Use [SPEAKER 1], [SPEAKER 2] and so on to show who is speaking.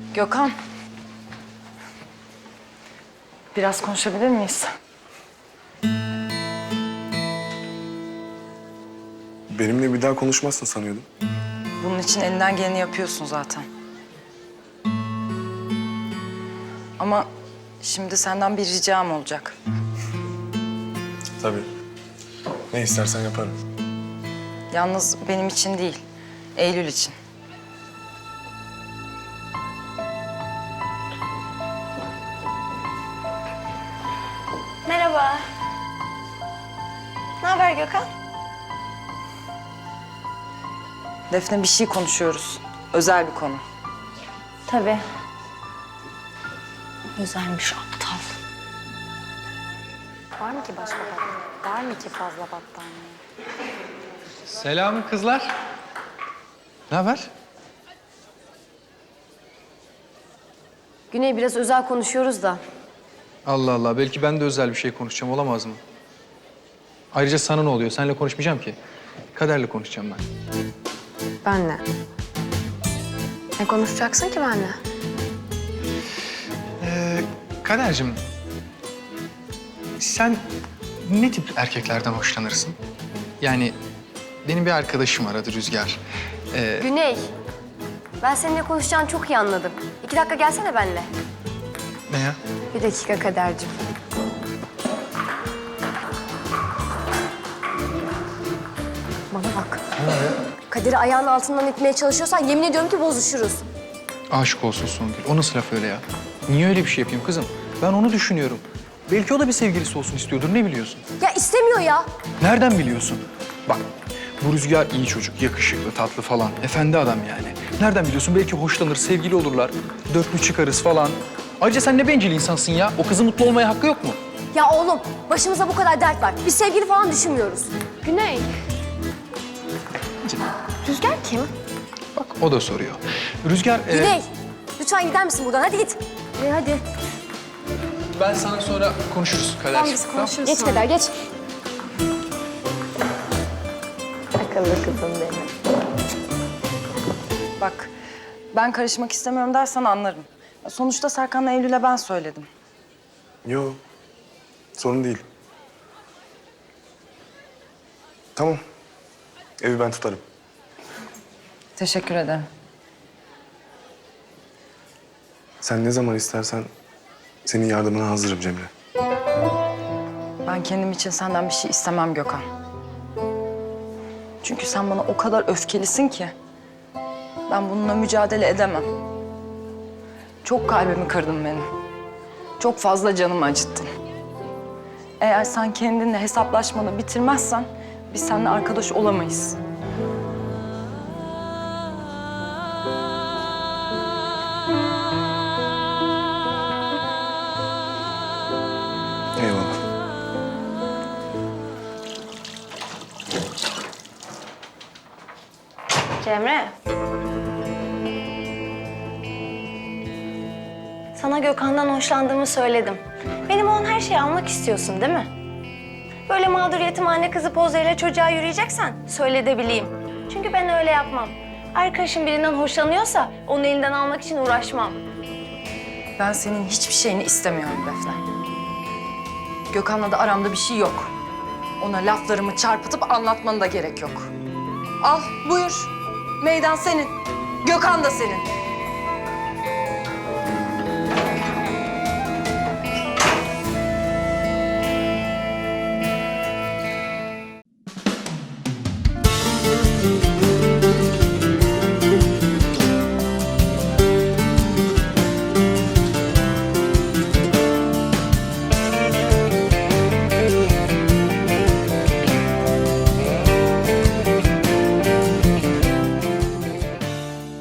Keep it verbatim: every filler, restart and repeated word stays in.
[SPEAKER 1] Gökhan. Biraz konuşabilir miyiz?
[SPEAKER 2] Benimle bir daha konuşmazsın sanıyordum.
[SPEAKER 1] Bunun için elinden geleni yapıyorsun zaten. Ama şimdi senden bir ricam olacak.
[SPEAKER 2] Tabii. Ne istersen yaparım.
[SPEAKER 1] Yalnız benim için değil, Eylül için.
[SPEAKER 3] Merhaba. Ne haber Gökhan?
[SPEAKER 1] Defne, bir şey konuşuyoruz. Özel bir konu.
[SPEAKER 3] Tabii. Özelmiş aptal.
[SPEAKER 4] Var mı ki başka battaniye? Var mı ki fazla battaniye?
[SPEAKER 5] Selam kızlar. Ne haber?
[SPEAKER 4] Güney biraz özel konuşuyoruz da.
[SPEAKER 5] Allah Allah, belki ben de özel bir şey konuşacağım, olamaz mı? Ayrıca sana ne oluyor? Seninle konuşmayacağım ki. Kader'le konuşacağım ben.
[SPEAKER 4] Benle. Ne konuşacaksın ki benle?
[SPEAKER 5] Ee, Kader'cim, sen ne tip erkeklerden hoşlanırsın? Yani benim bir arkadaşım var, adı Rüzgar. Ee,
[SPEAKER 4] Güney. Ben seninle konuşacağını çok iyi anladım. İki dakika gelsene benle.
[SPEAKER 5] ne ya?
[SPEAKER 4] Bir dakika Kadercim. Bana bak. Kader'i ayağının altından itmeye çalışıyorsan yemin ediyorum ki bozuşuruz.
[SPEAKER 5] Aşık olsun Songül. O nasıl laf öyle ya? Niye öyle bir şey yapayım kızım? Ben onu düşünüyorum. Belki o da bir sevgilisi olsun istiyordur, ne biliyorsun?
[SPEAKER 4] Ya istemiyor ya.
[SPEAKER 5] Nereden biliyorsun? Bak, bu Rüzgar iyi çocuk, yakışıklı, tatlı falan. Efendi adam yani. Nereden biliyorsun? Belki hoşlanır, sevgili olurlar. Dörtlü çıkarız falan. Ayrıca sen ne bencil insansın ya. O kızın mutlu olmaya hakkı yok mu?
[SPEAKER 4] Ya oğlum başımıza bu kadar dert var. Biz sevgili falan düşünmüyoruz. Güney. Rüzgar kim?
[SPEAKER 5] Bak, o da soruyor. Rüzgar... e,
[SPEAKER 4] Güney. Lütfen gider misin buradan? Hadi git. Hadi hadi.
[SPEAKER 5] ben sana sonra konuşuruz Kader.
[SPEAKER 4] Tamam biz konuşuruz Geç Kader geç. Akıllı kızım benim.
[SPEAKER 1] Bak, ben karışmak istemiyorum dersen anlarım. Sonuçta Serkan'la Eylül'e ben söyledim.
[SPEAKER 2] Yo, sorun değil. Tamam, evi ben tutarım.
[SPEAKER 1] Teşekkür ederim.
[SPEAKER 2] Sen ne zaman istersen senin yardımına hazırım Cemre.
[SPEAKER 1] Ben kendim için senden bir şey istemem Gökhan. Çünkü sen bana o kadar öfkelisin ki ben bununla mücadele edemem. Çok kalbimi kırdın benim. Çok fazla canımı acıttın. Eğer sen kendinle hesaplaşmanı bitirmezsen biz seninle arkadaş olamayız.
[SPEAKER 2] Eyvallah.
[SPEAKER 3] Cemre. Sana Gökhan'dan hoşlandığımı söyledim. Benim olan her şeyi almak istiyorsun değil mi? Böyle mağdur yetimhane kızı pozlarıyla çocuğa yürüyeceksen söyle de bileyim. Çünkü ben öyle yapmam. Arkadaşım birinden hoşlanıyorsa onun elinden almak için uğraşmam.
[SPEAKER 1] Ben senin hiçbir şeyini istemiyorum Defne. Gökhan'la da aramda bir şey yok. Ona laflarımı çarpıtıp anlatmanı da gerek yok. Al, buyur. Meydan senin. Gökhan da senin.